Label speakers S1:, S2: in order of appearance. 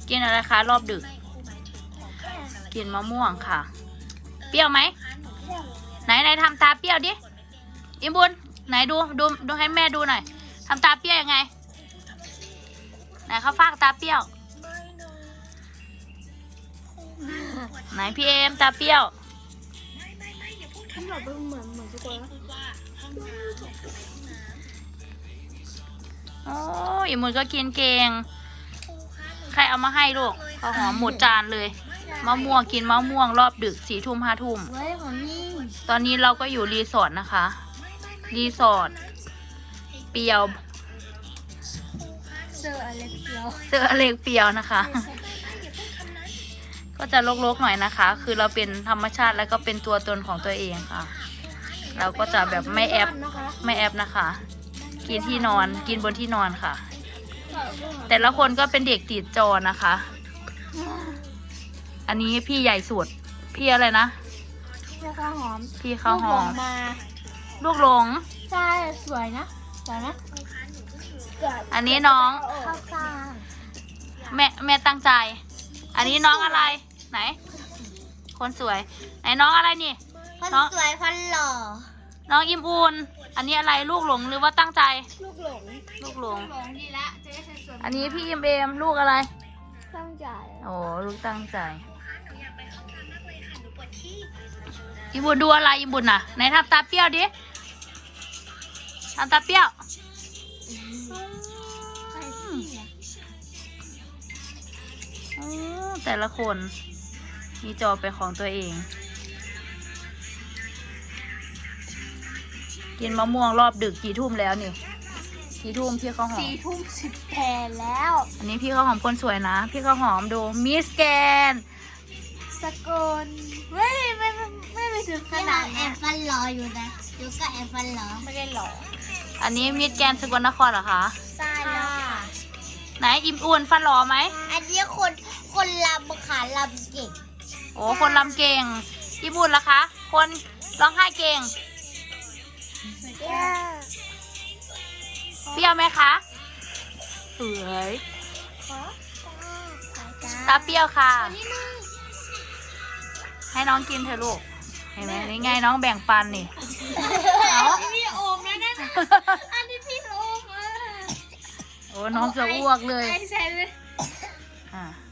S1: กินอะไรคะรอบดึกกินมะม่วงค่ะเปรี้ยวไหมไหนทำตาเปรี้ยวดิอิมบุญไหนดูให้แม่ดูหน่อยทำตาเปรี้ยวยังไงไหนเขาฟากตาเปรี้ยวไหนพี่เอมตาเปรี้ยว
S2: มันแบบเหมือนสกอต
S1: โอ้อิมบุญก็กินเก่งใครเอามาให้ลูกข้าวหอมหมดจานเลยมะม่วงกินมะม่วงรอบดึก4 ทุ่ม 5 ทุ่ม
S2: ไว้ของนี่
S1: ตอนนี้เราก็อยู่รีสอร์ทนะคะรีสอร์ทเปียว
S2: เซอร์อะไรเดียว
S1: เจออเล็กเปียวนะคะ ก็จะรกๆหน่อยนะคะ คือเราเป็นธรรมชาติแล้วก็เป็นตัวตนของตัวเองค่ะ เราก็จะแบบไม่แอบนะคะ กินที่นอนกินบนที่นอนค่ะ แต่ละคนก็เป็นเด็กติดจอนะคะ อันนี้พี่ใหญ่สุดพี่อะไรนะ
S2: แล้วข้าวหอม
S1: พี่ข้าวหอม
S2: มา
S1: ลูกหลง
S2: ใช่สวยนะสวยนะ
S1: อันนี้น้อง
S2: ข้าวฟ่าง
S1: แม่ตั้งใจ อันนี้น้องอะไรไหน คนสวย ไหนน้องอะไรนี่
S2: คน
S1: น้อง
S2: สวยคนหล่อ
S1: น้องอิมอูนอันนี้อะไรลูกหลงหรือว่าตั้งใจ
S2: ลูกหลง
S1: ลูกหลง
S2: หลงดีละจะได้สวยๆ
S1: อันนี้พี่อิมเอมลูกอะไร
S2: ตั้งใจ
S1: โอ้ลูกตั้งใจอิมบุญดูอะไรอิมบุญน่ะไหนทำตาเปรี้ยวดิทำตาเปรี้ยวโอ้แต่ละคนมีจอเป็นของตัวเอง กินมะม่วงรอบดึกกี่ทุ่มแล้วนี่กี่ทุ่มพี่ข้าวหอม
S2: 4 ทุ่ม 10 แผ่แล้ว
S1: อันนี้พี่ข้าวหอมคนสวยนะ พี่ข้าวหอมดูมิสแกน
S2: สกลไม่ไปถึงขนาดแอบฟันหล่ออยู่นะยูก็แอบฟันหล่อไม่ได้หล่อ
S1: อันนี้มิสแกนสกลนครเหรอคะ
S2: ใช่แล้วค่ะ
S1: ไหนอิ่มอ้วนฟันหล่อไหม
S2: อันนี้คนลำขาลำเก่ง
S1: โอ้คนลำเก่งอิ่มอ้วนล่ะคะ คนร้องไห้เก่งเปรี้ยวไหมคะสวยตาเปรี้ยวค่ะ ให้น้องกินเถอะลูกเห็นไหมนี่ไงน้องแบ่งปันนี่เอา
S2: พี่โอมแล้วนะอันนี้พี่โอม
S1: โอ้น้องจะอ้วกเลย
S2: ใช่เลย
S1: อ่า